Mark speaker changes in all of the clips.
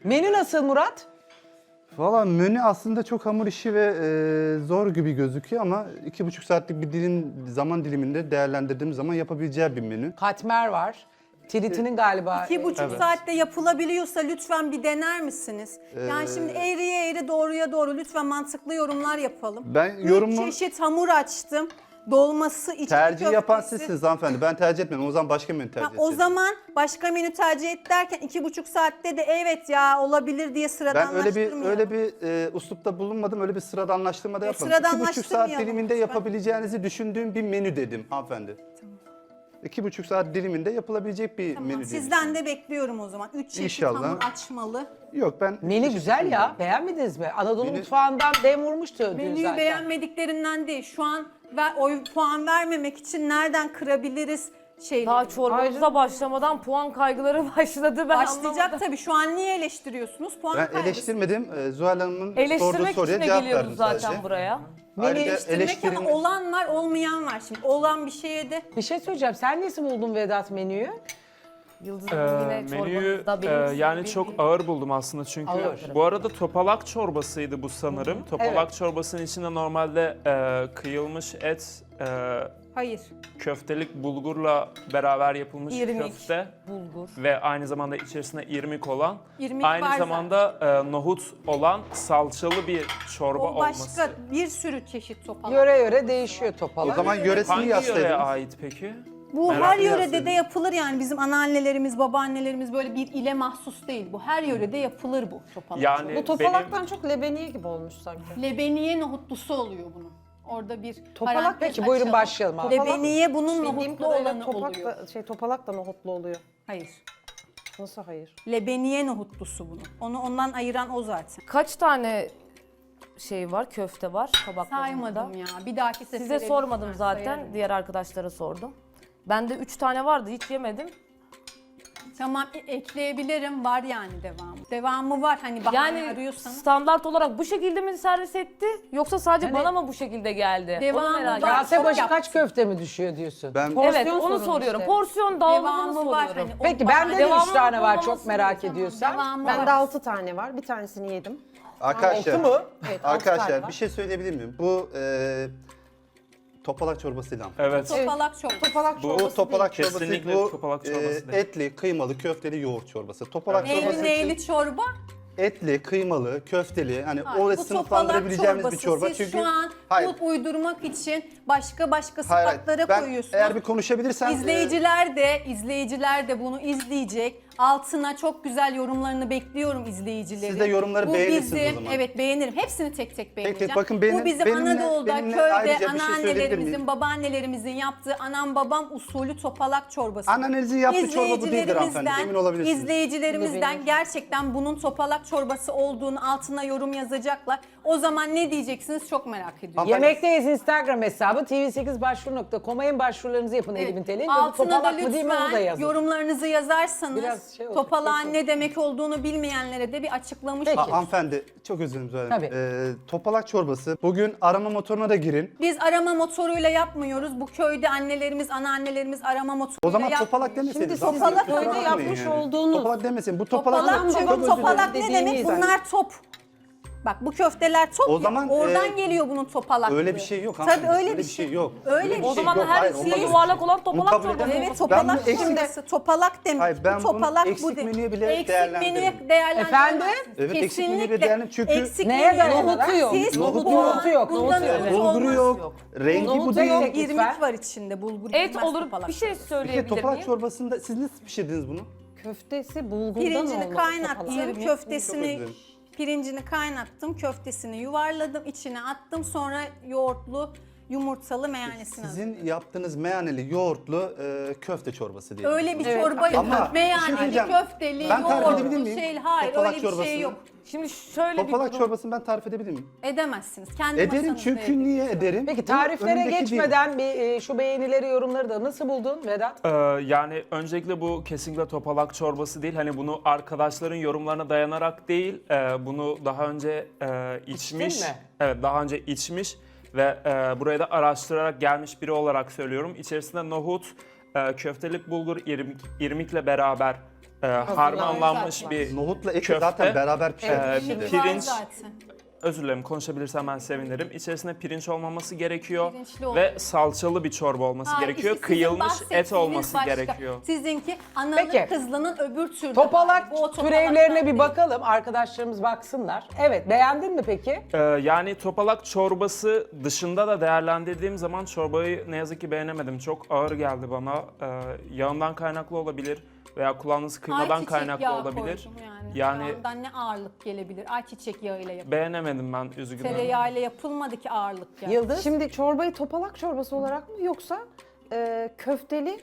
Speaker 1: Menü nasıl Murat?
Speaker 2: Valla menü aslında çok hamur işi ve zor gibi gözüküyor ama 2,5 saatlik bir zaman diliminde değerlendirdiğim zaman yapabileceği bir menü.
Speaker 1: Katmer var. Tritinin galiba.
Speaker 3: 2,5 saatte yapılabiliyorsa lütfen bir dener misiniz? Yani şimdi eğriye eğri doğruya doğru lütfen mantıklı yorumlar yapalım.
Speaker 2: Ben
Speaker 3: 3
Speaker 2: yorumu
Speaker 3: çeşit hamur açtım. Dolması, içli
Speaker 2: tercih yapan
Speaker 3: köftesi.
Speaker 2: sizsiniz hanımefendi. Ben tercih etmedim. O zaman başka menü tercih
Speaker 3: Ha,
Speaker 2: edeceğim.
Speaker 3: o zaman başka menü tercih et derken 2,5 saatte de evet ya olabilir diye
Speaker 2: Ben
Speaker 3: sıradanlaştırmıyorum.
Speaker 2: öyle bir uslupta bulunmadım. Öyle bir sıradanlaştırma da yapmadım. 2,5 saat
Speaker 3: sıradanlaştırmayalım
Speaker 2: diliminde
Speaker 3: lütfen.
Speaker 2: yapabileceğinizi düşündüğüm bir menü dedim hanımefendi. 2,5 saat diliminde yapılabilecek bir
Speaker 3: Tamam,
Speaker 2: menü dedim.
Speaker 3: sizden de bekliyorum o zaman. 3 çeşit
Speaker 2: İnşallah.
Speaker 3: hamur açmalı.
Speaker 2: Yok ben...
Speaker 1: Menü güzel ya. Beğenmediniz mi? Anadolu
Speaker 2: Menü-
Speaker 1: mutfağından dem vurmuştu dün
Speaker 3: Menüyü
Speaker 1: zaten.
Speaker 3: beğenmediklerinden değil. Şu an puan vermemek için nereden kırabiliriz şeyleri.
Speaker 4: Daha çorbamıza başlamadan puan kaygıları başladı. Ben
Speaker 3: Başlayacak
Speaker 4: anlamadım.
Speaker 3: tabii. Şu an niye eleştiriyorsunuz? Puan
Speaker 2: Ben
Speaker 3: kaygısı.
Speaker 2: eleştirmedim. Zuhal Hanım'ın sorduğu
Speaker 4: Eleştirmek
Speaker 2: soruya
Speaker 4: için de
Speaker 2: cevap
Speaker 4: geliyoruz
Speaker 2: verdim
Speaker 4: zaten
Speaker 2: sadece.
Speaker 4: buraya.
Speaker 2: Ayrıca
Speaker 3: Eleştirmek ama olan var olmayan var. Şimdi olan bir şeye de
Speaker 1: Bir şey söyleyeceğim. Sen nasıl buldun Vedat menüyü?
Speaker 4: Yıldız Hanım yine
Speaker 5: Menüyü
Speaker 4: çorbanızda benim
Speaker 5: yani çok ağır buldum aslında çünkü
Speaker 1: Ağır.
Speaker 5: bu arada topalak çorbasıydı bu sanırım. Topalak
Speaker 1: Evet.
Speaker 5: çorbasının içinde normalde kıyılmış et,
Speaker 3: hayır.
Speaker 5: köftelik bulgurla beraber yapılmış
Speaker 3: İrmik.
Speaker 5: köfte
Speaker 4: bulgur.
Speaker 5: ve aynı zamanda içerisinde irmik olan,
Speaker 3: İrmik
Speaker 5: aynı
Speaker 3: var
Speaker 5: zamanda nohut olan salçalı bir çorba
Speaker 3: O başka
Speaker 5: olması.
Speaker 3: bir sürü çeşit topalak.
Speaker 1: Yöre yöre değişiyor
Speaker 2: O
Speaker 1: topalak.
Speaker 2: zaman yöresini
Speaker 5: Hangi yöreye
Speaker 2: yaslaydınız.
Speaker 5: ait peki?
Speaker 3: Bu
Speaker 5: Merak
Speaker 3: her
Speaker 5: ediyorum.
Speaker 3: yörede de yapılır yani bizim anneannelerimiz, babaannelerimiz böyle bir ile mahsus değil. Bu her yörede yapılır bu topalak.
Speaker 5: Yani
Speaker 6: Bu topalaktan çok lebeniye gibi olmuş sanki.
Speaker 3: Lebeniye nohutlusu oluyor bunun. Orada bir
Speaker 1: Topalak
Speaker 3: parantez
Speaker 1: peki buyurun
Speaker 3: açalım.
Speaker 1: başlayalım abi.
Speaker 3: Lebeniye bunun
Speaker 6: Bildiğim
Speaker 3: nohutlu
Speaker 6: kadarıyla
Speaker 3: olanı oluyor.
Speaker 6: topalak da nohutlu oluyor.
Speaker 3: Hayır.
Speaker 6: Nasıl hayır?
Speaker 3: Lebeniye nohutlusu bunun. Onu ondan ayıran o zaten.
Speaker 4: Kaç tane şey var, köfte var tabaklarında?
Speaker 3: Saymadım ya. Bir dahaki sefere
Speaker 4: Size sormadım
Speaker 3: lütfen
Speaker 4: zaten.
Speaker 3: sayarım.
Speaker 4: Diğer arkadaşlara sordum. Bende 3 tane vardı, hiç yemedim.
Speaker 3: Tamam ekleyebilirim. Var yani devamı. Devamı var hani bahane
Speaker 4: Yani
Speaker 3: arıyorsanız.
Speaker 4: standart olarak bu şekilde mi servis etti? Yoksa sadece bana mı bu şekilde geldi?
Speaker 3: Devamı
Speaker 4: Onu merak
Speaker 3: var.
Speaker 4: ettim.
Speaker 1: Kase
Speaker 3: çok
Speaker 1: başı
Speaker 3: yaptım.
Speaker 1: kaç köfte mi düşüyor diyorsun?
Speaker 2: Ben
Speaker 4: Evet,
Speaker 6: Porsiyon
Speaker 4: onu
Speaker 6: sorun
Speaker 4: soruyorum.
Speaker 6: işte.
Speaker 4: Porsiyon dağılımını
Speaker 3: Devamı var.
Speaker 4: soruyorum.
Speaker 3: Hani o
Speaker 1: Peki
Speaker 3: bahane-
Speaker 1: bende de 3
Speaker 4: Devamlı
Speaker 1: tane var
Speaker 4: olmaması
Speaker 1: çok merak
Speaker 3: Tamam,
Speaker 1: ediyorsan.
Speaker 3: devamı
Speaker 6: Bende
Speaker 3: var.
Speaker 6: 6 tane var. Bir tanesini yedim.
Speaker 2: Arkadaşlar,
Speaker 1: Altı mı?
Speaker 6: Evet, altı tane
Speaker 2: arkadaşlar
Speaker 6: var.
Speaker 2: bir şey söyleyebilir miyim? Bu topalak çorbasıyla.
Speaker 5: Evet.
Speaker 3: Topalak çok.
Speaker 6: Topalak
Speaker 5: Bu
Speaker 6: çorbası
Speaker 2: Bu topalak
Speaker 5: değil.
Speaker 2: çorbası,
Speaker 5: Kesinlikle
Speaker 2: bu
Speaker 5: topalak çorbası değil.
Speaker 2: etli, kıymalı, köfteli yoğurt çorbası. Topalak
Speaker 3: Neyli
Speaker 2: çorbası
Speaker 3: neyli çorba?
Speaker 2: etli, kıymalı, köfteli, hani
Speaker 3: Hayır,
Speaker 2: orada
Speaker 3: bu
Speaker 2: sınıflandırabileceğimiz
Speaker 3: topalak
Speaker 2: bir çorba.
Speaker 3: Siz
Speaker 2: Çünkü
Speaker 3: şu an
Speaker 2: hayır,
Speaker 3: bu uydurmak için başka
Speaker 2: hayır,
Speaker 3: sıfatlara
Speaker 2: ben
Speaker 3: koyuyorsunuz.
Speaker 2: eğer bir konuşabilirsem
Speaker 3: İzleyiciler de bunu izleyecek. Altına çok güzel yorumlarını bekliyorum izleyicilerin.
Speaker 2: Siz de yorumları
Speaker 3: Bu
Speaker 2: beğenirsiniz
Speaker 3: bizim,
Speaker 2: o zaman.
Speaker 3: Evet beğenirim. Hepsini tek tek beğeneceğim.
Speaker 2: bakın
Speaker 3: Bu bizim Anadolu'da,
Speaker 2: benimle
Speaker 3: köyde
Speaker 2: ayrıca bir şey söyleyebilir
Speaker 3: anneannelerimizin,
Speaker 2: miyim?
Speaker 3: babaannelerimizin yaptığı anam babam usulü topalak çorbası.
Speaker 2: Annenizin yaptığı çorba bu değildir hanımefendi, emin olabilirsiniz.
Speaker 3: İzleyicilerimizden gerçekten bunun topalak çorbası olduğunu altına yorum yazacaklar. O zaman ne diyeceksiniz çok merak ediyorum.
Speaker 2: Hanımefendi,
Speaker 1: Yemekteyiz Instagram hesabı tv8başvuru.com'a en başvurularınızı yapın Elif'in Telin.
Speaker 3: Altına da
Speaker 1: Topalak mı değil mi onu da
Speaker 3: lütfen
Speaker 1: yazın.
Speaker 3: yorumlarınızı yazarsanız
Speaker 1: Biraz şey olacak,
Speaker 3: topalağın
Speaker 1: peki.
Speaker 3: ne demek olduğunu bilmeyenlere de bir açıklamış
Speaker 1: Peki.
Speaker 3: oluruz.
Speaker 2: hanımefendi çok özür dilerim Zuhal Hanım.
Speaker 1: Tabii.
Speaker 2: Topalak çorbası. Bugün arama motoruna da girin.
Speaker 3: Biz arama motoruyla yapmıyoruz. Bu köyde annelerimiz, anneannelerimiz arama motoruyla
Speaker 2: O zaman
Speaker 3: yapmıyor.
Speaker 2: topalak demeseydiniz.
Speaker 6: Şimdi
Speaker 2: hanımefendi,
Speaker 3: topalak
Speaker 2: kusura
Speaker 6: köyde
Speaker 2: bakmayın
Speaker 6: yapmış
Speaker 2: yani.
Speaker 6: olduğunuz-
Speaker 2: Topalak demesin. Bu topalak
Speaker 3: Topalak,
Speaker 2: çok
Speaker 3: çünkü
Speaker 2: özür
Speaker 3: topalak
Speaker 2: dilerim.
Speaker 3: ne demek?
Speaker 6: dediğiniz
Speaker 3: Bunlar top. Bak bu köfteler top
Speaker 2: O
Speaker 3: ya.
Speaker 2: zaman,
Speaker 3: Oradan geliyor bunun topalaklığı.
Speaker 2: Öyle bir şey yok
Speaker 3: Tabii
Speaker 2: hanımefendi.
Speaker 3: öyle bir şey
Speaker 2: yok.
Speaker 3: Öyle
Speaker 2: Öyle
Speaker 3: bir
Speaker 2: bir
Speaker 4: O
Speaker 3: şey
Speaker 4: zaman
Speaker 2: yok.
Speaker 4: her
Speaker 2: Hayır,
Speaker 4: içinde
Speaker 2: olmaz.
Speaker 4: yuvarlak olan
Speaker 2: Bunu
Speaker 4: topalak
Speaker 2: kabul
Speaker 4: çorbası.
Speaker 2: edemem.
Speaker 3: Evet
Speaker 2: Ben
Speaker 3: topalak
Speaker 2: bunu eksik-
Speaker 3: çorbası. Topalak demek.
Speaker 2: Hayır, ben
Speaker 3: bu
Speaker 2: bunu
Speaker 3: topalak
Speaker 2: eksik
Speaker 3: bu değil.
Speaker 2: menüye bile
Speaker 3: Eksik
Speaker 2: değerlendiririm.
Speaker 3: menüye değerlendiremezsiniz.
Speaker 1: Efendim?
Speaker 2: Evet, eksik menüye
Speaker 3: Kesinlikle.
Speaker 2: değerlendirim. Çünkü-
Speaker 3: Eksik
Speaker 1: Neye
Speaker 3: menü-
Speaker 1: dayanarak?
Speaker 6: Nohutu yok.
Speaker 3: Siz
Speaker 2: Nohutu
Speaker 3: bunu
Speaker 1: yok. Nohutu yok.
Speaker 3: kullanıyorsunuz,
Speaker 2: bulguru
Speaker 3: olmaz.
Speaker 2: yok. Rengi bu
Speaker 1: Nohutu
Speaker 2: değil.
Speaker 1: yok.
Speaker 3: İrmik
Speaker 1: Lütfen.
Speaker 3: var içinde. Bulgur
Speaker 4: Et
Speaker 3: girmez
Speaker 4: olur.
Speaker 3: topalak
Speaker 4: Bir şey
Speaker 3: çorbası.
Speaker 2: Bir de
Speaker 4: söyleyebilir
Speaker 2: topalak
Speaker 4: miyim?
Speaker 2: çorbasında siz nasıl pişirdiniz bunu?
Speaker 6: Köftesi bulgurdan
Speaker 3: Pirincini
Speaker 6: olmalı.
Speaker 3: kaynattım,
Speaker 6: topalak.
Speaker 2: Çok
Speaker 3: köftesini
Speaker 2: özledim.
Speaker 3: pirincini kaynattım, köftesini yuvarladım, içine attım. Sonra yoğurtlu, yumurtalı meyanesini aldım.
Speaker 2: Sizin yaptığınız meyaneli yoğurtlu köfte çorbası diye.
Speaker 3: Öyle bir çorba yok.
Speaker 2: Ama bir şey
Speaker 3: Meyaneli,
Speaker 2: söyleyeceğim.
Speaker 3: köfteli,
Speaker 2: Ben tarif edebilir
Speaker 3: yoğurtlu
Speaker 2: miyim?
Speaker 3: şey. Hayır
Speaker 2: Topalak
Speaker 3: öyle bir şey
Speaker 2: çorbasını.
Speaker 3: yok.
Speaker 4: Şimdi şöyle bir
Speaker 2: Topalak
Speaker 4: durum.
Speaker 2: çorbasını ben tarif edebilir miyim?
Speaker 3: Edemezsiniz. Kendi
Speaker 2: Ederim
Speaker 3: masanızda
Speaker 2: çünkü
Speaker 3: edin.
Speaker 2: niye ederim?
Speaker 1: Peki
Speaker 2: Bu
Speaker 1: tariflere
Speaker 2: önümdeki değil.
Speaker 1: geçmeden bir şu beğenileri yorumları da nasıl buldun Vedat?
Speaker 5: Yani öncelikle bu kesinlikle topalak çorbası değil. Hani bunu arkadaşların yorumlarına dayanarak değil, bunu daha önce içmiş.
Speaker 1: mi?
Speaker 5: Evet, daha önce içmiş ve buraya da araştırarak gelmiş biri olarak söylüyorum. İçerisinde nohut, köftelik bulgur, irmikle beraber harmanlanmış
Speaker 3: zaten.
Speaker 5: bir
Speaker 2: Nohutla eti
Speaker 5: köfte.
Speaker 2: zaten beraber pişer.
Speaker 5: Bir
Speaker 3: Var
Speaker 5: pirinç,
Speaker 3: zaten.
Speaker 5: özür dilerim konuşabilirsem ben sevinirim. İçerisinde pirinç olmaması gerekiyor
Speaker 3: Pirinçli ol-
Speaker 5: ve salçalı bir çorba olması
Speaker 3: Ha,
Speaker 5: gerekiyor.
Speaker 3: işte sizin
Speaker 5: Kıyılmış et
Speaker 3: bahsettiğiniz
Speaker 5: olması
Speaker 3: başka.
Speaker 5: gerekiyor.
Speaker 3: Sizinki analı
Speaker 1: Peki.
Speaker 3: kızlının öbür türlü.
Speaker 1: Topalak
Speaker 3: hali. Bu o
Speaker 1: türevlerine bir
Speaker 3: değil.
Speaker 1: bakalım. Arkadaşlarımız baksınlar. Evet, beğendin mi peki?
Speaker 5: Yani topalak çorbası dışında da değerlendirdiğim zaman çorbayı ne yazık ki beğenemedim. Çok ağır geldi bana. Yağından kaynaklı olabilir veya kullandığınız kıymadan
Speaker 3: Ayçiçek
Speaker 5: kaynaklı
Speaker 3: yağı
Speaker 5: olabilir.
Speaker 3: koydum yani.
Speaker 5: Yani
Speaker 3: Yağından ne ağırlık gelebilir? Ayçiçek yağıyla yapılır.
Speaker 5: beğenemedim ben üzgünüm.
Speaker 3: Tereyağıyla yapılmadı ki ağırlık yani.
Speaker 1: Yıldız?
Speaker 6: Şimdi çorbayı topalak çorbası olarak mı yoksa köfteli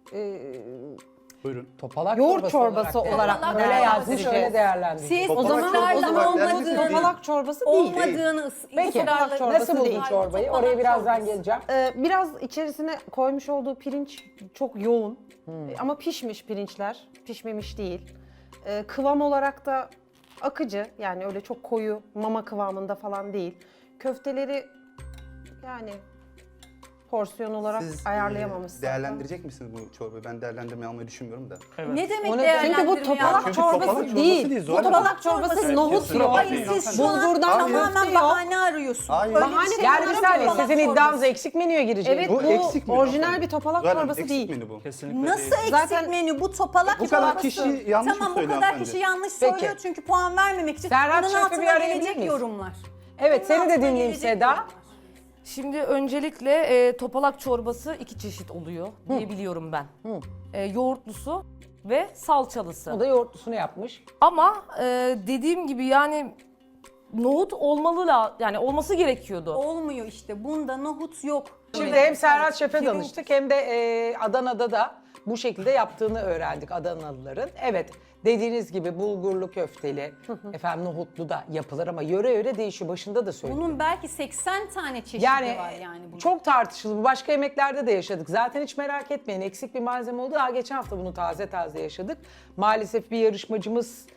Speaker 2: Buyurun.
Speaker 1: Topalak
Speaker 6: yoğurt çorbası
Speaker 1: olarak
Speaker 6: olarak
Speaker 3: Topalak
Speaker 6: mı
Speaker 1: Böyle yazmış,
Speaker 6: değerlendireceğiz?
Speaker 1: öyle değerlendireceğiz.
Speaker 3: Siz
Speaker 2: Topalak
Speaker 6: O zaman
Speaker 2: çorbası
Speaker 6: o zaman
Speaker 2: olarak
Speaker 6: olmadığı
Speaker 2: değerlendireceğiz.
Speaker 6: topalak çorbası değil.
Speaker 3: olmadığını
Speaker 1: Peki,
Speaker 3: ısrarla-
Speaker 6: çorbası
Speaker 1: nasıl buldun
Speaker 6: değil.
Speaker 1: çorbayı?
Speaker 3: Topalak
Speaker 1: Oraya birazdan
Speaker 3: çorbası.
Speaker 1: geleceğim.
Speaker 6: Biraz içerisine koymuş olduğu pirinç çok yoğun. Ama pişmiş pirinçler, pişmemiş değil. Kıvam olarak da akıcı, yani öyle çok koyu mama kıvamında falan değil. Köfteleri yani porsiyon olarak
Speaker 2: Siz
Speaker 6: ayarlayamamışsınız.
Speaker 2: değerlendirecek misiniz bu çorbayı? Ben değerlendirmeyi almayı düşünmüyorum da.
Speaker 3: Ne demek
Speaker 1: Onu-
Speaker 3: değerlendirme
Speaker 6: Çünkü bu topalak
Speaker 2: Çünkü
Speaker 6: çorbası
Speaker 2: topalak çorbası
Speaker 6: değil.
Speaker 2: değil,
Speaker 6: Bu
Speaker 2: Zuhal Hanım.
Speaker 6: topalak çorbası
Speaker 3: Evet,
Speaker 6: nohut
Speaker 5: kesinlikle.
Speaker 6: yok.
Speaker 3: Hayır siz şu an
Speaker 6: Bulgurdan
Speaker 3: tamamen
Speaker 6: köfte yok.
Speaker 3: bahane arıyorsunuz.
Speaker 2: Hayır.
Speaker 3: Öyle
Speaker 6: Bahane
Speaker 3: şey
Speaker 1: Yani
Speaker 3: yok.
Speaker 1: bir saniye,
Speaker 3: Topalak
Speaker 1: sizin
Speaker 3: çorbası.
Speaker 1: iddianız eksik menüye girecek.
Speaker 6: Evet,
Speaker 2: Bu
Speaker 6: bu
Speaker 2: eksik menü
Speaker 6: orijinal
Speaker 2: hanımefendi.
Speaker 6: bir topalak
Speaker 2: Zuhal Hanım,
Speaker 6: çorbası
Speaker 2: eksik
Speaker 6: değil.
Speaker 2: menü bu.
Speaker 5: Kesinlikle
Speaker 3: Nasıl
Speaker 5: değil.
Speaker 3: eksik
Speaker 6: Zaten
Speaker 3: menü? Bu topalak
Speaker 2: bu kadar
Speaker 3: çorbası.
Speaker 2: kişi yanlış
Speaker 3: Tamam bu
Speaker 2: söylüyor
Speaker 3: kadar
Speaker 2: hanımefendi.
Speaker 3: kişi yanlış
Speaker 1: Peki.
Speaker 3: söylüyor çünkü puan vermemek için.
Speaker 1: Serhat
Speaker 3: bunun
Speaker 1: Şef'i
Speaker 3: altına
Speaker 1: bir arayabilir
Speaker 3: gelecek
Speaker 1: miyiz?
Speaker 3: yorumlar.
Speaker 1: Evet,
Speaker 3: Bunun
Speaker 1: seni de
Speaker 3: altına
Speaker 1: dinleyeyim
Speaker 3: gelecek
Speaker 1: Seda.
Speaker 3: yorumlar.
Speaker 4: Şimdi öncelikle topalak çorbası 2 çeşit oluyor diye biliyorum ben. Yoğurtlusu ve salçalısı.
Speaker 1: O da yoğurtlusunu yapmış.
Speaker 4: Ama dediğim gibi yani nohut yani olması gerekiyordu.
Speaker 3: Olmuyor işte. Bunda nohut yok.
Speaker 1: Şimdi hem Serhat Şef'e
Speaker 4: Pirinç-
Speaker 1: danıştık hem de Adana'da da bu şekilde yaptığını öğrendik Adanalıların. Evet, dediğiniz gibi bulgurlu köfteli, efendim nohutlu da yapılır ama yöre yöre değişiyor. Başında da söyledim.
Speaker 3: Bunun belki 80 tane çeşidi
Speaker 1: Yani,
Speaker 3: var yani bunun.
Speaker 1: çok tartışılı. Bu başka yemeklerde de yaşadık. Zaten hiç merak etmeyin. Eksik bir malzeme oldu. Daha geçen hafta bunu taze taze yaşadık. Maalesef bir yarışmacımız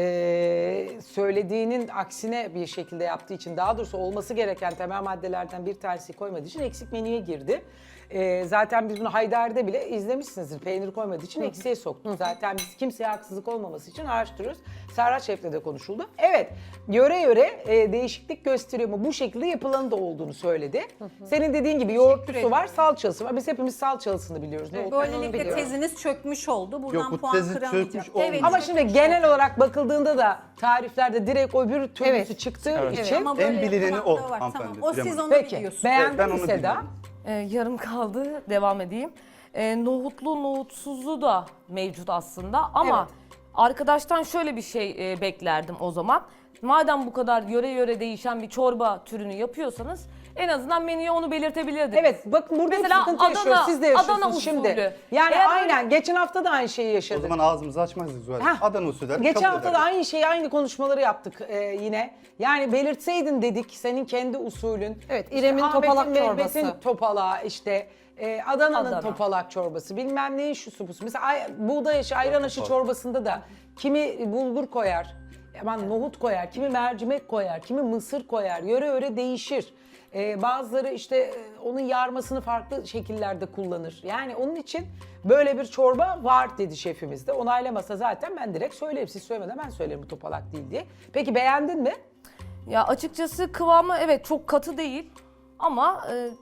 Speaker 1: söylediğinin aksine bir şekilde yaptığı için, daha doğrusu olması gereken temel maddelerden bir tanesi koymadığı için eksik menüye girdi. Zaten biz bunu Haydar'da bile izlemişsinizdir. Peynir koymadığı için eksiğe soktuk. Zaten biz kimseye haksızlık olmaması için araştırıyoruz. Serhat Şef'le de konuşuldu. Evet, yöre yöre değişiklik gösteriyor mu? Bu şekilde yapılanı da olduğunu söyledi. Senin dediğin gibi yoğurtlusu var, salçalısı var. Biz hepimiz salçalısını biliyoruz. Ne olduğunu
Speaker 3: Böylelikle
Speaker 1: biliyoruz.
Speaker 3: teziniz çökmüş oldu. Buradan
Speaker 2: Yok, bu
Speaker 3: puan
Speaker 2: tezi
Speaker 3: kıramayacak.
Speaker 2: çökmüş olmadı.
Speaker 1: Ama şimdi genel olarak bakıldığında da tariflerde direkt öbür türlüsü
Speaker 6: Evet.
Speaker 1: çıktığı
Speaker 5: Evet.
Speaker 1: için.
Speaker 3: Ama böyle
Speaker 2: En bilineni
Speaker 3: yapılan
Speaker 2: o
Speaker 3: da var.
Speaker 2: hanımefendi,
Speaker 3: Tamam. O siz
Speaker 2: bilemem.
Speaker 3: onu
Speaker 1: Peki,
Speaker 3: biliyorsunuz.
Speaker 1: beğendin
Speaker 2: Ben
Speaker 1: mi
Speaker 2: onu
Speaker 1: Seda?
Speaker 2: bilmiyorum.
Speaker 4: Yarım kaldı, devam edeyim. Nohutlu, nohutsuzu da mevcut aslında ama arkadaştan şöyle bir şey beklerdim o zaman. Madem bu kadar yöre yöre değişen bir çorba türünü yapıyorsanız en azından menüye onu belirtebilirdiniz.
Speaker 1: Evet, bakın burada
Speaker 4: Mesela
Speaker 1: bir sıkıntı
Speaker 4: Adana-
Speaker 1: yaşıyoruz. Siz de yaşıyorsunuz
Speaker 4: Adana
Speaker 1: şimdi.
Speaker 4: usulü.
Speaker 1: Yani
Speaker 4: Eğer
Speaker 1: aynen geçen hafta da aynı şeyi
Speaker 2: O
Speaker 1: yaşadık.
Speaker 2: zaman ağzımızı açmazdık Zuhal Hanım.
Speaker 1: Heh.
Speaker 2: Adana usulü derdik,
Speaker 1: Geçen
Speaker 2: kabul
Speaker 1: hafta da
Speaker 2: ederdik.
Speaker 1: aynı şeyi, aynı konuşmaları yaptık yine. Yani belirtseydin dedik senin kendi usulün.
Speaker 6: Evet,
Speaker 1: İşte
Speaker 6: İrem'in
Speaker 1: Ahmet'in,
Speaker 6: topalak
Speaker 1: Mehmet'in
Speaker 6: çorbası.
Speaker 1: topalağı işte Adana'nın
Speaker 4: Adana.
Speaker 1: topalak çorbası bilmem neyin şusu busu. Mesela buğday aşı, ayran aşı çorbasında da kimi bulgur koyar, aman nohut koyar, kimi mercimek koyar, kimi mısır koyar. Yöre yöre değişir. Bazıları işte onun yarmasını farklı şekillerde kullanır. Yani onun için böyle bir çorba var dedi şefimiz de. Onaylamasa zaten ben direkt söylerim. Siz söylemeden ben söylerim bu topalak değil diye. Peki beğendin mi?
Speaker 4: Ya açıkçası kıvamı evet çok katı değil ama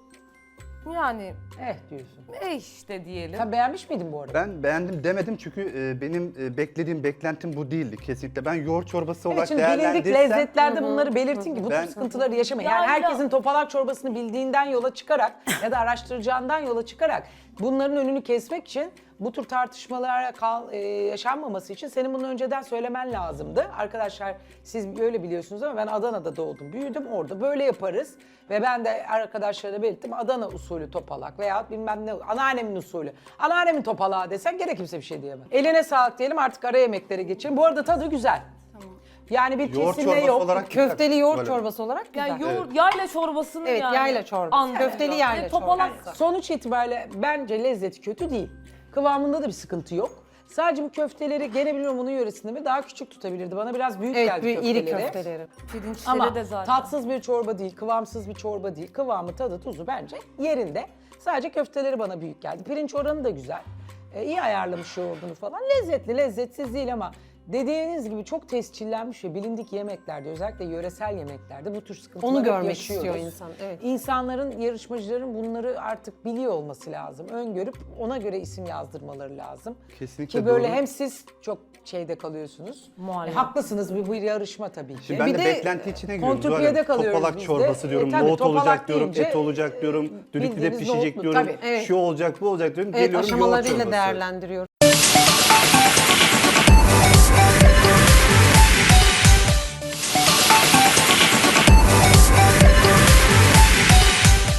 Speaker 4: yani
Speaker 1: Diyorsun.
Speaker 4: işte diyelim.
Speaker 1: Sen beğenmiş miydin bu arada?
Speaker 2: Ben beğendim demedim çünkü benim beklediğim beklentim bu değildi kesinlikle. Ben yoğurt çorbası
Speaker 1: Evet,
Speaker 2: olarak
Speaker 1: şimdi bilindik
Speaker 2: değerlendirsem...
Speaker 1: lezzetlerde bunları belirtin ki bu tür
Speaker 2: Ben-
Speaker 1: sıkıntıları yaşamayın.
Speaker 4: Ya,
Speaker 1: Yani
Speaker 4: ya.
Speaker 1: herkesin topalak çorbasını bildiğinden yola çıkarak ya da araştıracağından yola çıkarak bunların önünü kesmek için bu tür tartışmalara yaşanmaması için senin bunu önceden söylemen lazımdı. Arkadaşlar siz böyle biliyorsunuz ama ben Adana'da doğdum, büyüdüm, orada böyle yaparız. Ve ben de arkadaşlara belirttim Adana usulü topalak veya bilmem ne anneannemin usulü. Anneannemin topalağı desen gene kimse bir şey diyemez. Eline sağlık diyelim, artık ara yemeklere geçelim. Bu arada tadı güzel. Yani bir
Speaker 2: Yoğurt
Speaker 1: kesinle
Speaker 2: çorbası
Speaker 1: yok.
Speaker 2: olarak
Speaker 6: Köfteli yoğurt
Speaker 2: Böyle.
Speaker 6: çorbası olarak güzel.
Speaker 4: Yani yoğurt, yayla çorbasını
Speaker 6: Evet,
Speaker 4: yani.
Speaker 6: yayla çorbası.
Speaker 4: anlıyorum.
Speaker 6: Köfteli yayla
Speaker 4: Ve topalak
Speaker 6: çorbası.
Speaker 1: Sonuç itibariyle bence lezzeti kötü değil. Kıvamında da bir sıkıntı yok. Sadece bu köfteleri gene bilmiyorum onun yöresinde mi daha küçük tutabilirdi. Bana biraz büyük
Speaker 6: Evet,
Speaker 1: geldi
Speaker 6: iri
Speaker 1: köfteleri.
Speaker 6: köfteleri.
Speaker 4: pirinçleri
Speaker 1: Ama
Speaker 4: de zaten.
Speaker 1: tatsız bir çorba değil, kıvamsız bir çorba değil. Kıvamı, tadı, tuzu bence yerinde. Sadece köfteleri bana büyük geldi. Pirinç oranı da güzel. iyi ayarlamış yoğurdunu falan. Lezzetli, lezzetsiz değil ama dediğiniz gibi çok tescillenmiş ve bilindik yemeklerde, özellikle yöresel yemeklerde bu tür sıkıntıları
Speaker 6: Onu
Speaker 1: hep
Speaker 6: görmek
Speaker 1: yaşıyoruz.
Speaker 6: istiyor insan, evet.
Speaker 1: İnsanların, yarışmacıların bunları artık biliyor olması lazım. Öngörüp ona göre isim yazdırmaları lazım.
Speaker 2: Kesinlikle
Speaker 1: Ki böyle
Speaker 2: doğru.
Speaker 1: hem siz çok şeyde kalıyorsunuz.
Speaker 4: Muallak.
Speaker 1: Haklısınız, bu yarışma tabii ki.
Speaker 2: Şimdi ben
Speaker 1: Bir
Speaker 2: de beklenti içine giriyorum.
Speaker 1: kontrpiyede
Speaker 2: Zuhal Hanım.
Speaker 1: kalıyoruz
Speaker 2: Topalak
Speaker 1: biz de.
Speaker 2: çorbası diyorum,
Speaker 1: Tabii,
Speaker 2: nohut
Speaker 1: topalak
Speaker 2: olacak diyorum,
Speaker 1: deyince,
Speaker 2: et olacak diyorum, düdüklüde
Speaker 1: bildiğimiz
Speaker 2: pişecek
Speaker 1: nohutlu,
Speaker 2: diyorum,
Speaker 1: tabii,
Speaker 6: evet.
Speaker 2: şu olacak bu olacak diyorum.
Speaker 6: Evet,
Speaker 2: Geliyorum yoğurt
Speaker 6: aşamalarıyla
Speaker 2: çorbası.
Speaker 6: değerlendiriyoruz.